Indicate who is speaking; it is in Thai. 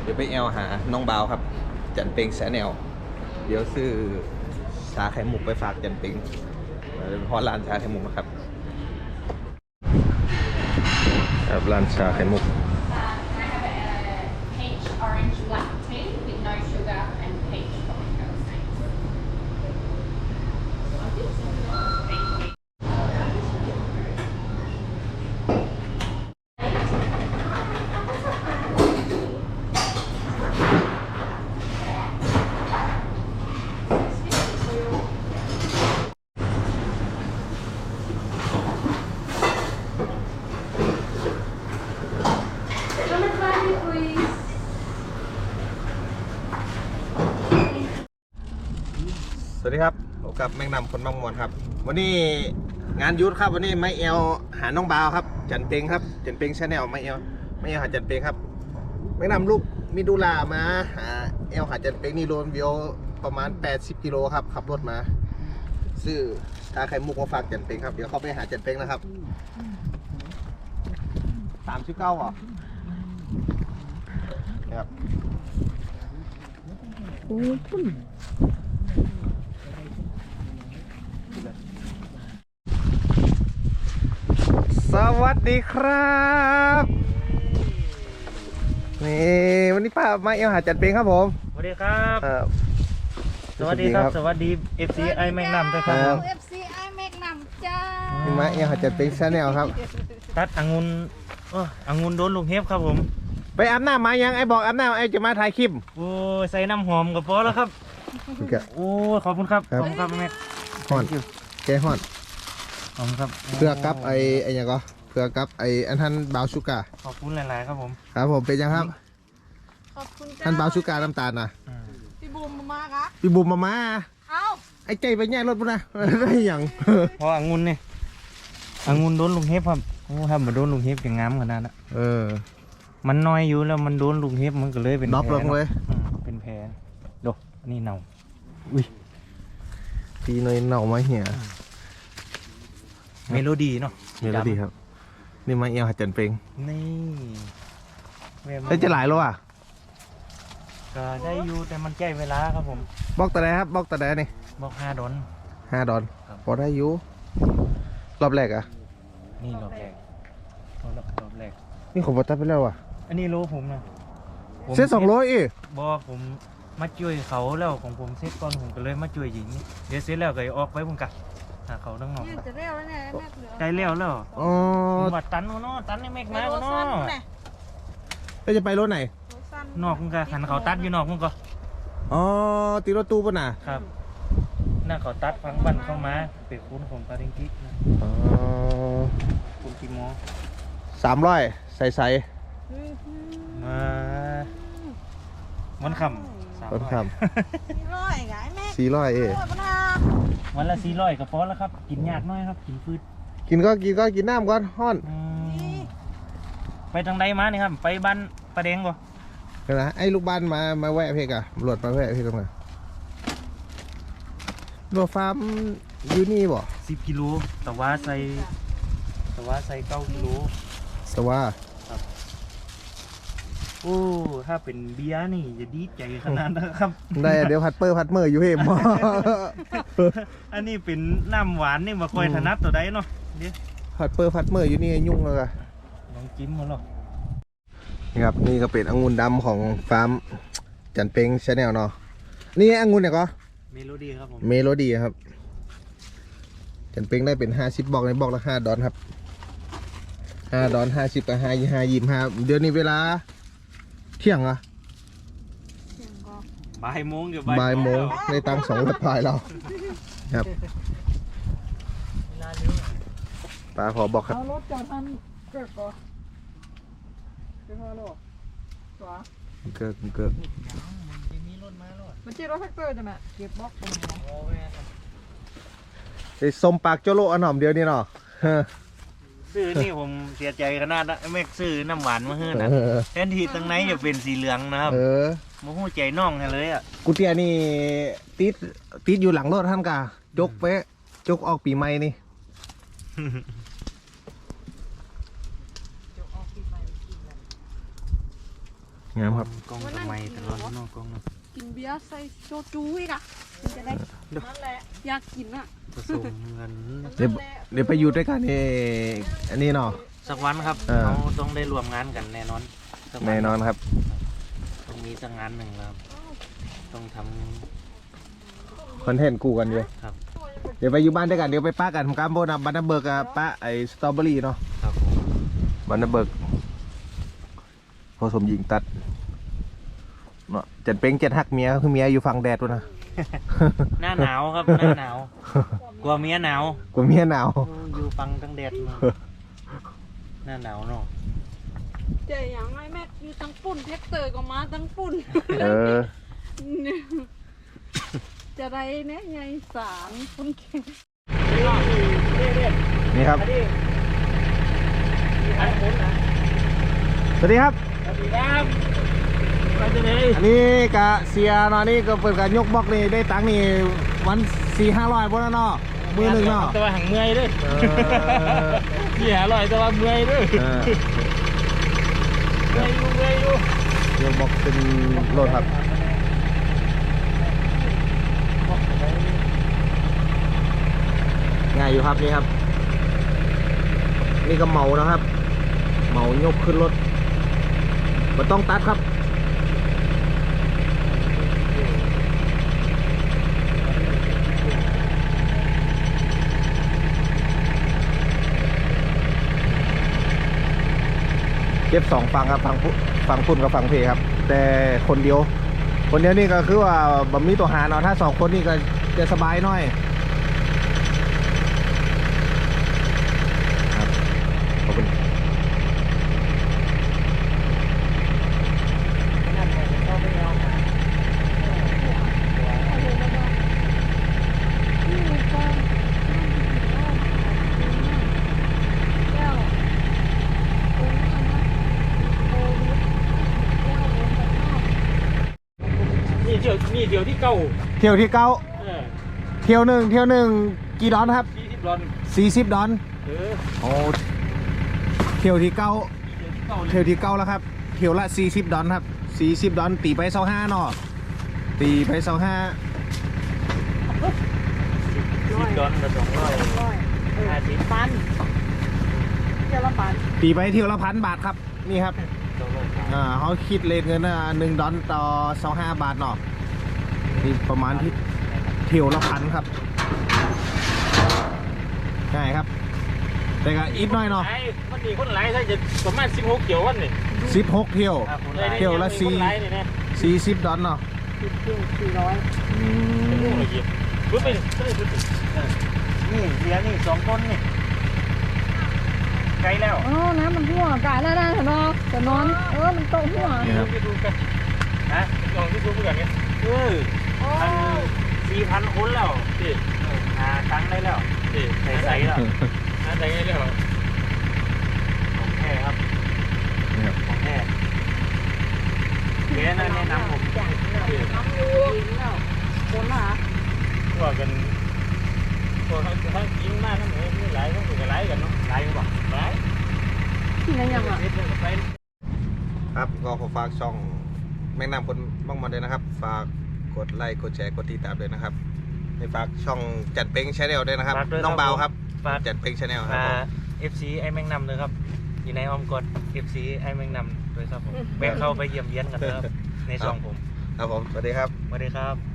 Speaker 1: เดี๋ยวไปแอลหาน้องบ่าวครับจันเป็งแสแนวเดี๋ยวซื้อชาไข่มุกไปฝากจันเป็งเพราะร้านชาไข่มุกนะครับครับร้านชาไข่มุก
Speaker 2: Peach orange black tea with no sugar and peach cocktail steak. Thank you.
Speaker 1: สวัสดีครับพบกับแมงนำคนบางมวนครับวันนี้งานยุทธครับวันนี้ไม่เอลหาน้องบ่าวครับจันเป็งครับจันเป็งชาแนลไม่เอลหาจันเป็งครับแมงนำลูกมิดูลามาหาเอลหาจันเป็งนี่โลนวิวประมาณ80 กิโลครับขับรถมาซื้อชาไข่มุกมาฝากจันเป็งครับเดี๋ยวเข้าไปหาจันเป็งนะครับ39เหรอครับสวัสดีครับนี่วันนี้ป้ามาเอลหาจันเป็งครับผม
Speaker 3: สวัสดีครับ สวัสดีครับ สวัสดี FC ไอแมงนำด้วยครับ
Speaker 2: FCI แมกนัมจ้า
Speaker 1: นี่มาเอลหาจันเป็งชาแนลครับ
Speaker 3: ตัดองุ่นองุ่นโดนลูกเห็บครับผม
Speaker 1: ไปอาบน้ำมายังไอ้บอกอาบน้ำไอ้จะมาถ่ายคลิป
Speaker 3: โอ้ยใส่น้ำหอมกับพอแล้วครับ โอ้ยขอบคุณครับ
Speaker 1: ครับ
Speaker 3: ขอบคุณครับแม่
Speaker 1: ฮอนแกฮอน
Speaker 3: ขอบคุณครับ
Speaker 1: เพื่อกับไอ้ยังก็เพื่อกับไอ้อันท่านบาวชูกา
Speaker 3: ขอบคุณหลายๆครับผม
Speaker 1: ครับผมเป็นยังครับ
Speaker 2: ขอบคุณจ้า
Speaker 1: ท่านบาวชูกาน้ำตาลนะ
Speaker 3: อืม
Speaker 2: พี่บูมมาครับ
Speaker 1: พี่บุ๋มมา
Speaker 2: เอ้า
Speaker 1: ไอ้ใจไปแย่รถปุ่นนะ ได้ยัง
Speaker 3: เพราะองุ่นนี่องุ่นโดนลูกเห็บครับโอ้ถ้ามาโดนลูกเห็บจะงามขนาดนั้น
Speaker 1: เออ
Speaker 3: มันน้อยอยู่แล้วมันโดนลูกเห็บมันก็เลยเป็น
Speaker 1: น็อก
Speaker 3: แผ
Speaker 1: ลงเลย
Speaker 3: เป็นแผลดูนี่เน่าอุ้ย
Speaker 1: พี่เนยเน่ามาเหี้ย
Speaker 3: เมโลดี้เนาะ
Speaker 1: เมโลดี้ครับนี่มาเอลหาจันเป็ง
Speaker 3: นี่แม่มัน
Speaker 1: แล้วจะหลายแล้วอ่ะ
Speaker 3: ก็ได้อยู่แต่มันใกล้เวลาครับผม
Speaker 1: บอกแต่ไหนครับบอกแต่ไหนนี่
Speaker 3: บอก$5
Speaker 1: 5 ดอล
Speaker 3: ครับ
Speaker 1: พอได้อยู่รอบแรกอ่ะ
Speaker 3: นี่รอบแรกรอบแรก
Speaker 1: นี่ผมบอกตัดไปแล้วอ่ะ
Speaker 3: อันนี้โลผมนะผม
Speaker 1: เส้น200อีก
Speaker 3: บอกผมมาช่วยเขาแล้วของผมเซ็ตก่อนผมก็เลยมาช่วยหญิงเดี๋ยวเสร็จแล้วก็ออกไปผมกะหาเขาทั้งนอก
Speaker 2: ยืนจะเร็วแล้วเนี่ยแม่เหลือ
Speaker 3: ใกล้แล้ว
Speaker 1: อ๋อ
Speaker 3: ผมว่าตันเนาะตันในเมฆ
Speaker 2: ไป
Speaker 3: มา
Speaker 2: โร
Speaker 3: เนา
Speaker 2: ซันะ เนี่ย
Speaker 1: แล้วจะไปรถไหน
Speaker 2: โรซัน
Speaker 3: นอกมึงก็หันเขาตัดอยู่นอกมึงก็
Speaker 1: อ๋อตีรถตู้ป่ะน่ะ
Speaker 3: ครับน่าเขาตัดฟังบันเข้ามาเป็นคุณผมปาริงกินะ
Speaker 1: อ๋อ
Speaker 3: คุณกิโม
Speaker 1: 300ใส่
Speaker 3: มาวันคำ
Speaker 1: ต้นค
Speaker 2: นี่ร้อยไงแม่
Speaker 1: ำ400เอง
Speaker 2: ร้อยปะนา
Speaker 3: วันละ400ก็พอแล้วครับกินยากน้อยครับกินฟืด
Speaker 1: กินน้ำก่อนฮ้อน
Speaker 3: ไปทางใดมานี่ครับ ไปบ้านประเดงบ่
Speaker 1: เดี๋ยวนะไอ้ลูกบ้านมาแวะเพกอะตำรวจมาแวะเพกกันมาโรฟาร์มอยู่นี่บ่
Speaker 3: 10 กิโลแต่ว่าใส่9 กิโล
Speaker 1: สว่า
Speaker 3: โอ้ถ้าเป็นเบียร์นี่จะดีใจขนาดนั้นครับ
Speaker 1: ได้เดี๋ยวพัดเมอร์อยู่เฮม
Speaker 3: อันนี้เป็นน้ำหวานนี่มาคอยถนัดตัวใดเนาะเดี๋ยว
Speaker 1: พัดเมอร์อยู่นี่ยุ่งเลยอะ
Speaker 3: ลองจิ้มมาหรอ
Speaker 1: นี่ครับนี่ก็เป็นองุ่นดำของฟาร์มจันเป็งชาแนลเนาะนี่องุ่นเนี่ยก็
Speaker 3: เมโลดี้ครับผม
Speaker 1: เมโลดี้ครับจันเป็งได้เป็น50บอกในบอกละ5 ดอลครับ5 ดอล50กับ5 25เดี๋ยวนี้เวลาเที่ยงอะ
Speaker 3: บ่ายโมงเดี๋ยว
Speaker 1: บ่ายโมงในตัง200 พายเราครับ
Speaker 3: เวลาเร็ว
Speaker 1: ป้าขอบอกครับ
Speaker 2: เอารถจอดทันเกิดก่อนเกิดพอหรอตัว
Speaker 1: เกิด
Speaker 3: จะมีรถมาแล้ว
Speaker 2: มันชื่อรถแท็กเตอร์จ้ะแม่เก็บบล็อกตรงนี้
Speaker 3: โอ้แม่
Speaker 1: ไอ้สมปากโจโลอันหอมเดียวนี่เนาะ
Speaker 3: ซื้อนี่ผมเสียใจขนาดนะแม่ซื้อน้ำหวานมาให้นะแทนที่ตั้งไหนจะเป็นสีเหลืองนะครับ
Speaker 1: เออ
Speaker 3: โมโหใจน้องให้เลยอ่ะ
Speaker 1: กูเตียนี่ติดอยู่หลังรถท่านกะจกเป๊ะจกออกปีใหม่นี่
Speaker 2: จะออกปีใหม่กินแล้ว
Speaker 1: งามครับ
Speaker 3: กล้องทำไมตลอดเนอกกล้องเนาะ
Speaker 2: กินเบียร์ใส่โซจูอีกอ่ะมันจะได้นั่นแหละอยากกินอ่ะ
Speaker 3: ผสมกัน
Speaker 1: เดี๋ยวไปอยู่ด้วยกันอันนี้เนาะ
Speaker 3: สักวันครับ เราต้องได้รวมงานกันแน่นอนสักวั
Speaker 1: แน่นอนครับ
Speaker 3: ต้องมีสักงานหนึ่งแล้วครับต้องท
Speaker 1: คอนเทนต์คู่กันอยู่
Speaker 3: ำครับ
Speaker 1: เดี๋ยวไปอยู่บ้านด้วยกันเดี๋ยวไปป้ากันผมกำโบนะบันนาเบิร์กกับป้าไอ้สตรอเบอรี่เนาะ
Speaker 3: ครับผม
Speaker 1: บันนาเบิร์กผสมหญิงตัดเนาะจันเป็งเจ็ดหักเมียคือเมียอยู่ฝั่งแดดด้วยนะ
Speaker 3: หน้าหนาวครับหน้าหนาวกลัวเมียหนาว
Speaker 1: กลัวเมียหนาว
Speaker 3: อยู่ฟังตั้งแดดมาหน้าหนาวเนาะ
Speaker 2: เจ๊อย่างไรแม่อยู่ตั้งปุ่นแท็กเตอร์ก็มาตั้งปุ่น
Speaker 1: เออ
Speaker 2: จะได้เนี่ยยายสารคนเก่ง
Speaker 1: นี่ครับสวัสดีครับ
Speaker 3: สวัสดีครับไปจะไหน
Speaker 1: อันนี้กะเสียเนาะนี่ก็เปิดการยกบล็อกนี่ได้ตังค์นี่วัน400-500บนแล้วเนาะมือหนึ่งเนาะ
Speaker 3: แต่ว่าหังเมื่อยด้วยที่หาลอยแต่ว่าเมื่อยด้วย
Speaker 1: เออ
Speaker 3: เมื่อยอยู่
Speaker 1: ยกบล็อกเป็นโหลดครับง่ายอยู่ครับนี่ครับ นี่ก็เหมานะครับ เหมายกขึ้นรถมันต้องตัดครับเก็บ2ฝั่งครับฝั่งพุ่นกับฝั่งเพครับ แต่คนเดียวนี่ก็คือว่าบะมีตัวหารเนาะถ้า2คนนี่ก็จะสบายหน่อยครับขอบคุณ
Speaker 3: นี่เดี๋ยวที่เก่า
Speaker 1: เที่ยวที่เก้าเที่ยวหนึ่งกี่ดอนครับ
Speaker 3: 20 ดอน
Speaker 1: 40 ดอน โอ้เที่ยวที่เก้า
Speaker 3: เดี๋ยวที่เก่า
Speaker 1: แล้วครับเที่ยวละ40 ดอนครับ40 ดอนตีไป25เนาะตีไป25
Speaker 3: 10 ดอนกับ250
Speaker 2: ปันเจ้าละปัน
Speaker 1: ตีไปเที่ยวละ1,000 บาทครับนี่ครับเขาคิดเลทเงิน1 ดอนต่อ25 บาทเนาะนี่ประมาณที่เที่ยวละ1,000ครับง่ายครับ แต่ก็อีกหน่อยเนาะ
Speaker 3: มันมีคนหลายถ้าจะประมาณ16 เกี่ยววันนี่
Speaker 1: 16 เที่ยว เที่ยวละ40 ดอนเนาะ
Speaker 2: 400
Speaker 1: อืม
Speaker 3: รู้ไปนี่เหลือนี่2 ต้นนี่ไกลแล้ว
Speaker 2: อ๋อน้ำมันหัวกายแล้วนะเนาะแต่นอนมันโตหัว
Speaker 1: นี่ครับ
Speaker 3: ไปดูกันฮะลองที่ดูกันเนี่ย4,000 คนแล้วพี่ตังได้แล้วพี่ใส่แล้วใส่ได้แล้วของแท้ครับ
Speaker 1: นี่ครับ
Speaker 3: ของแท้แกแนะนำผม
Speaker 2: น้ำอยู่แล้วคนละ
Speaker 3: ว่ากันตัวทั้งกินมากทั้งหมดนี่หลายทั้งตัวหลายกันเนาะหลายกันบ่หลาย
Speaker 2: ที่ไหนยังอ่ะ
Speaker 1: ครับก็ขอฝากช่องแม่งนำคนบ้างมาเลยนะครับ ฝากกดไลค์กดแชร์กดติดตามด้วยนะครับให้ฝากช่องจัดเป็งชาแนลด้วยนะครับน้องเบาครับ
Speaker 3: ฝาก
Speaker 1: จัดเป็งชาแนลครับผม
Speaker 3: FC ไอ้แมงนำเลยครับอยู่ในอ้อมกด FC ไอ้แมงนำด้วยครับผมแวะเข้าไปเยี่ยมเยียนกันนะครับในช่องผม
Speaker 1: ครับผมสวัสดีครับ
Speaker 3: สวัสดีครับ